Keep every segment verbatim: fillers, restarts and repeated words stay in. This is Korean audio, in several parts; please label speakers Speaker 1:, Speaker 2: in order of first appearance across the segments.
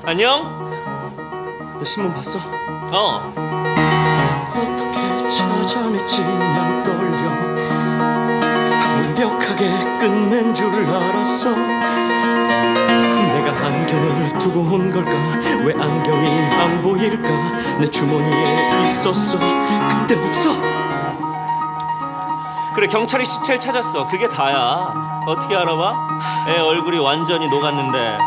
Speaker 1: 안녕?
Speaker 2: 너 신문 봤어?
Speaker 1: 어.
Speaker 2: 어떻게 찾아냈지 난 떨려. 완벽하게 끝낸 줄 알았어. 내가 안경을 두고 온 걸까? 왜 안경이 안 보일까? 내 주머니에 있었어. 근데 없어.
Speaker 1: 그래, 경찰이 시체를 찾았어. 그게 다야. 어떻게 알아봐? 애 얼굴이 완전히 녹았는데.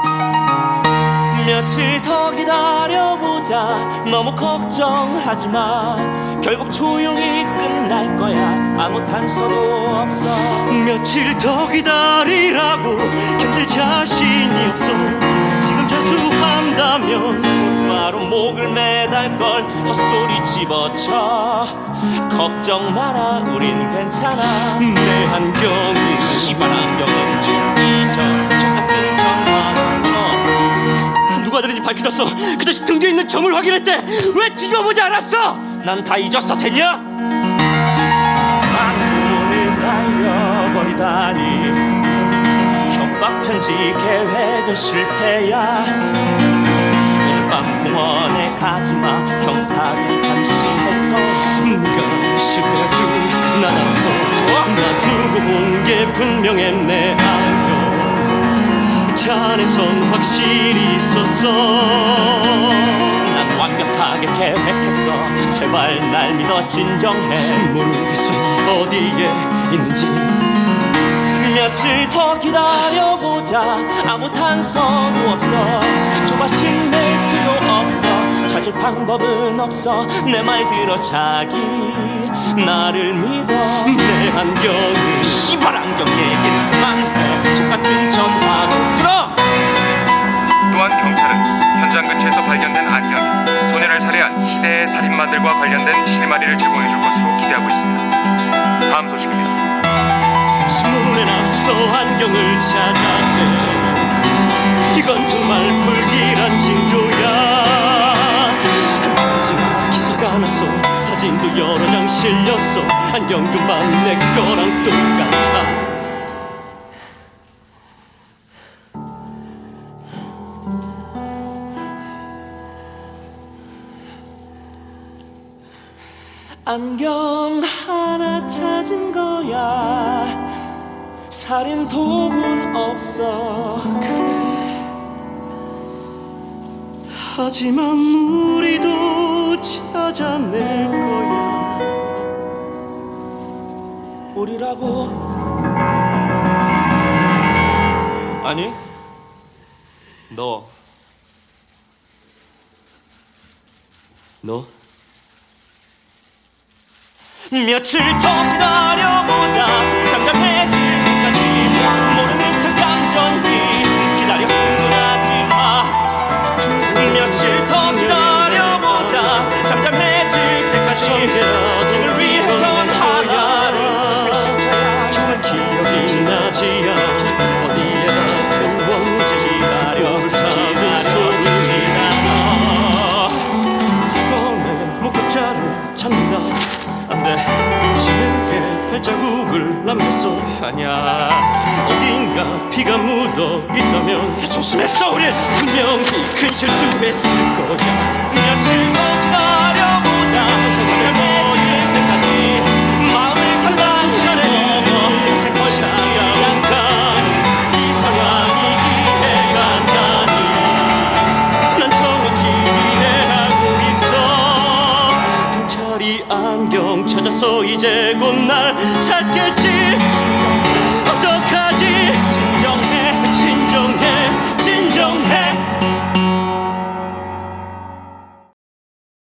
Speaker 1: 며칠 더 기다려보자. 너무 걱정하지 마. 결국 조용히 끝날 거야. 아무 단서도 없어.
Speaker 2: 며칠 더 기다리라고 견딜 자신이 없어. 지금 자수한다면
Speaker 1: 곧바로 목을 매달걸. 헛소리 집어쳐. 걱정 마라, 우린 괜찮아.
Speaker 2: 내 안경이
Speaker 1: 시발 안경은 좀 잊어. 족같은 전화는 끊어.
Speaker 2: 누가 들은지 밝혀졌어. 그 자식 등 뒤에 있는 점을 확인했대. 왜 뒤져보지 않았어?
Speaker 1: 난 다 잊었어, 됐냐? 만돈을 날려버리다니. 협박 편지 계획은 실패야. 오늘 밤 공원에 가지마. 형사들 감시할 거야.
Speaker 2: 네가 실패할 줄 난 알았어. 나 두고 온 게 분명해. 내 안경 잔에선 확실히 있었어.
Speaker 1: 난 완벽하게 계획했어. 제발 날 믿어, 진정해.
Speaker 2: 모르겠어 어디에 있는지.
Speaker 1: 며칠 더 기다려보자. 아무 단서도 없어. 조바심 낼 필요 없어. 찾을 방법은 없어. 내 말 들어 자기. 나를 믿어.
Speaker 2: 내 안경이
Speaker 1: 시발 안경 얘긴 그만해. 족같은 전화도 끊어.
Speaker 3: 또한 경찰은 현장 근처에서 발견된 안경이 소년을 살해한 희대의 살인마들과 관련된 실마리를 제공해줄 것으로 기대하고 있습니다. 다음 소식입니다.
Speaker 2: 신문에 났어. 안경을 찾았대. 이건 정말 불길한 징조야. 하지마, 기사가 났어. 사진도 여러 장 실렸어. 안경 좀 봐, 내 거랑 똑같아.
Speaker 1: 안경 하나 찾은 거야. 살인 도구는 없어.
Speaker 2: 그래. 하지만 우리도 찾아낼 거야.
Speaker 1: 우리라고? 아니, 너.
Speaker 2: 너?
Speaker 1: 며칠 더 기다려보자. 잠잠해질 때까지. 모르는 척 얌전히 기다려. 흥분하지 마. 며칠 더 기다려보자. 잠잠해질 때까지. 너를 위해선 하나를 생신자야.
Speaker 2: 정말 기억이 나지 않아. 어디에다 두었는지.
Speaker 1: 기다려,
Speaker 2: 타는 소리가 사건의 목격자를 찾는다.
Speaker 1: 안돼.
Speaker 2: 진흙에 발자국을 남겼어.
Speaker 1: 아니야.
Speaker 2: 어딘가 피가 묻어 있다면
Speaker 1: 조심했어, 우린.
Speaker 2: 분명히 큰 실수했을 거야.
Speaker 1: 며칠 더 기다려보자. 잠잠해질 때까지. 마음을 단단히 먹어. 제 것이
Speaker 2: 차가운 이 상황이 이해가 나니. 난 정확히 이해하고 있어. 경찰이 안경 찾았어. 이제 곧 날 찾겠지. 어떻게